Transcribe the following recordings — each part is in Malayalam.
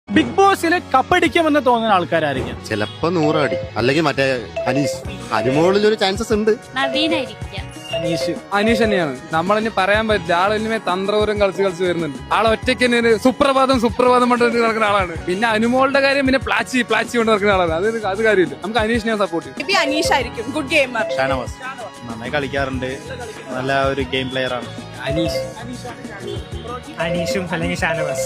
ബിഗ് ബോസിൽ കപ്പടിക്കുമെന്ന് തോന്നുന്ന ആൾക്കാരായിരിക്കും. ചിലപ്പോ 100 അടി അല്ലെങ്കിൽ മറ്റേ അനീഷ് അനുമോളിൽ ഒരു ചാൻസസ് ഉണ്ട്. അനീഷ് തന്നെയാണ്. നമ്മളിനി പറയാൻ പറ്റില്ല. ആളിനുമേ തന്ത്രപൂരം കളിച്ച് വരുന്നുണ്ട്. ആളെ ഒറ്റയ്ക്ക് തന്നെ ഒരു സുപ്രഭാതം പറഞ്ഞിട്ട് നടക്കുന്ന ആളാണ്. പിന്നെ അനുമോളുടെ കാര്യം പിന്നെ പ്ലാച്ചി കൊണ്ട് നടക്കുന്ന ആളാണ്. അത് കാര്യമില്ല. നമുക്ക് അനീഷിനെ സപ്പോർട്ട് ചെയ്യും. അനീഷ് ആയിരിക്കും. Good gamer. ഷാനവാസ് നന്നായി കളിക്കാറുണ്ട്. നല്ല ഒരു ഗെയിം പ്ലെയർ ആണ്. അനീഷും അല്ലെങ്കിൽ ഷാനവാസ്.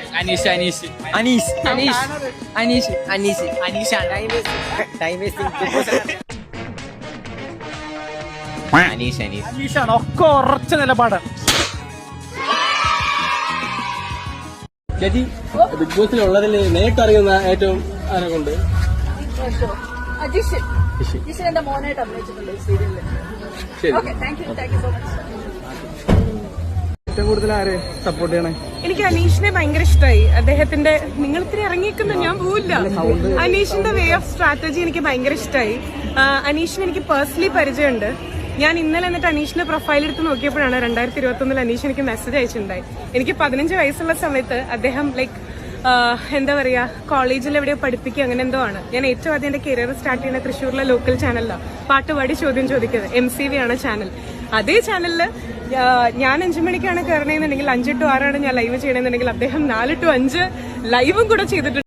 അനീഷാണ് ഒക്കെ ഉറച്ച നിലപാടാണ്. ചേച്ചി ബിഗ് ബോസിൽ ഉള്ളതിൽ നേരിട്ടറിയുന്ന ഏറ്റവും ആരെ കൊണ്ട് എന്റെ മോനായിട്ട് അഭിനയിച്ചിട്ടുണ്ട് സീരിയലിൽ. Thank you so much. ഏറ്റവും കൂടുതൽ ആരെ സപ്പോർട്ട് ചെയ്യണേ? എനിക്ക് അനീഷിനെ ഭയങ്കര ഇഷ്ടമായി. അദ്ദേഹത്തിന്റെ നിങ്ങൾ ഇത്തിരി ഇറങ്ങിയിരിക്കുന്ന ഞാൻ പോവില്ല. അനീഷിന്റെ വേ ഓഫ് സ്ട്രാറ്റജി എനിക്ക് ഭയങ്കര ഇഷ്ടമായി. അനീഷിന് എനിക്ക് പേഴ്സണലി പരിചയമുണ്ട്. ഞാൻ ഇന്നലെ എന്നിട്ട് അനീഷിന്റെ പ്രൊഫൈൽ എടുത്ത് നോക്കിയപ്പോഴാണ് 2021 അനീഷ് എനിക്ക് മെസ്സേജ് അയച്ചിട്ടുണ്ടായി. എനിക്ക് 15 വയസ്സുള്ള സമയത്ത് അദ്ദേഹം എന്താ പറയാ കോളേജിൽ എവിടെയോ പഠിപ്പിക്കുക അങ്ങനെ എന്തോ ആണ്. ഞാൻ ഏറ്റവും ആദ്യം എന്റെ കരിയർ സ്റ്റാർട്ട് ചെയ്യുന്ന തൃശ്ശൂരിലെ ലോക്കൽ ചാനലിലാണ്. പാട്ടുപാടി ചോദ്യം ചോദിക്കുന്നത്. MCV ആണ് ചാനൽ. അതേ ചാനലില് ഞാൻ 5 മണിക്കാണ് കയറണമെന്നുണ്ടെങ്കിൽ 5 to 6 ആണ് ഞാൻ ലൈവ് ചെയ്യണമെന്നുണ്ടെങ്കിൽ അദ്ദേഹം 4 to 5 ലൈവും കൂടെ ചെയ്തിട്ടുണ്ട്.